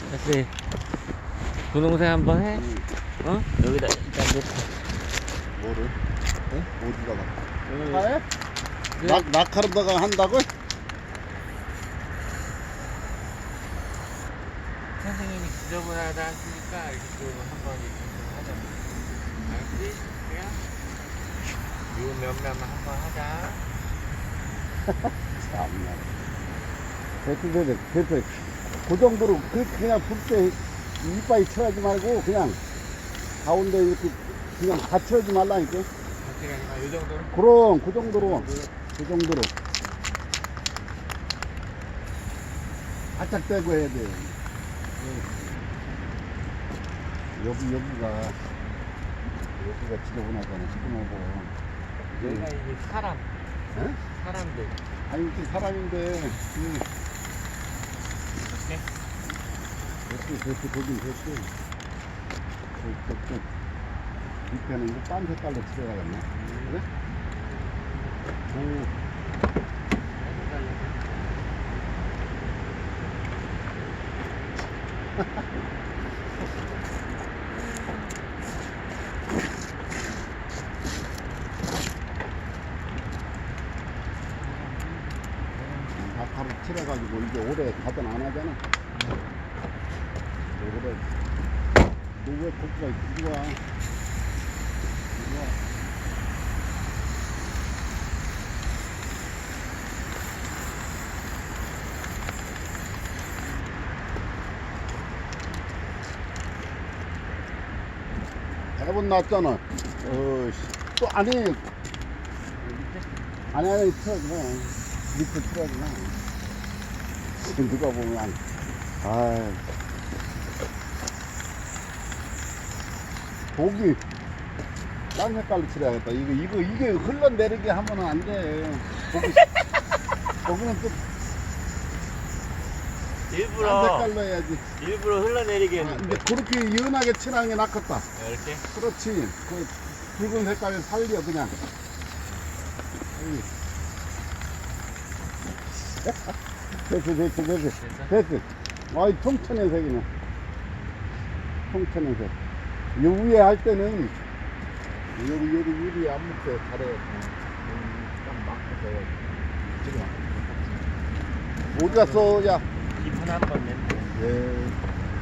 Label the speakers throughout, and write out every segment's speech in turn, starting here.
Speaker 1: 다시 분홍색 한번 해? 어? 여기다 일단 놓고.
Speaker 2: 뭐를? 네? 어디다가?
Speaker 1: 여기.
Speaker 2: 차에?
Speaker 1: 네.
Speaker 2: 낙하로다가 한다고?
Speaker 1: 선생님이 지저분하다 하시니까 이렇게 한번 이렇게 하자. 알았지? 그냥 요 명람만 한번 하자.
Speaker 2: 참나. 됐어. 그 정도로 그냥 불때 이빨이 쳐야지 말고 그냥 가운데 이렇게 그냥 받쳐야지 말라니까.
Speaker 1: 같이 가니까 요 정도로?
Speaker 2: 그럼 그 정도로 바짝 떼고 해야 돼. 여기가 지저분하잖아. 시커멓고.
Speaker 1: 여기가 이제 사람,
Speaker 2: 에?
Speaker 1: 사람들.
Speaker 2: 아니 이렇게 사람인데 됐어 보긴 됐어. 밑에는 이거 딴 색깔로 칠해야겠네. 그래? 낙하로 칠해가지고 이제 오래 가든 안 하잖아. 오래. 너왜 거기가 이리 와? 대본 났잖아. 또 아니 틀어줘. 밑에 틀어줘. 누가 보면 독이 딴 색깔로 칠해야겠다. 이게 흘러내리게 하면 안 돼. 거기는 또 딴
Speaker 1: 일부러,
Speaker 2: 색깔로 해야지.
Speaker 1: 일부러 흘러내리게
Speaker 2: 근데
Speaker 1: 했는데.
Speaker 2: 그렇게 연하게 칠하는 게 낫겠다.
Speaker 1: 이렇게?
Speaker 2: 그렇지. 그 붉은 색깔을 살려 그냥. 됐어. 아이 통천의 색이네. 통천의 색. 요 위에 할 때는 여기 유리 안 묻게 잘해. 딱 막혀서 지금 어디 갔어? 야.
Speaker 1: 기분 한번 냈네.
Speaker 2: 예.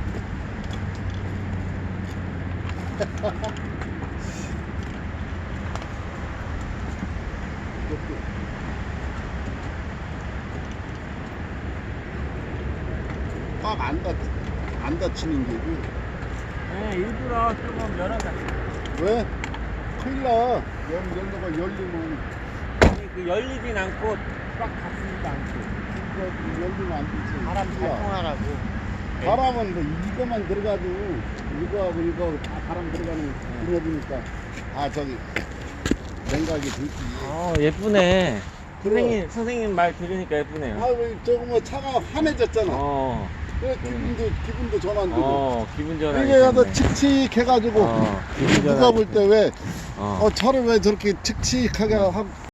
Speaker 2: 꽉 안 다치는 게고.
Speaker 1: 네, 일부러 조금 열어놨어.
Speaker 2: 왜? 큰일 나. 연도가 열리면,
Speaker 1: 아니, 그 열리진 않고 꽉 닫히지도 않고.
Speaker 2: 열리면 안 되지.
Speaker 1: 바람 잘
Speaker 2: 큰일 나.
Speaker 1: 통하라고.
Speaker 2: 바람은 뭐 이거만 들어가도, 이거하고 이거 다 바람 들어가는 분야이니까. 저기, 냉각이 들지.
Speaker 1: 예쁘네.
Speaker 2: 그래.
Speaker 1: 선생님 말 들으니까 예쁘네요.
Speaker 2: 저거 뭐 차가 환해졌잖아. 그래, 기분도 전환되고.
Speaker 1: 기분 전환.
Speaker 2: 이게 가서 칙칙해가지고,
Speaker 1: 기분 전환.
Speaker 2: 누가 볼 때 왜,
Speaker 1: 어.
Speaker 2: 차를 왜 저렇게 칙칙하게 하고,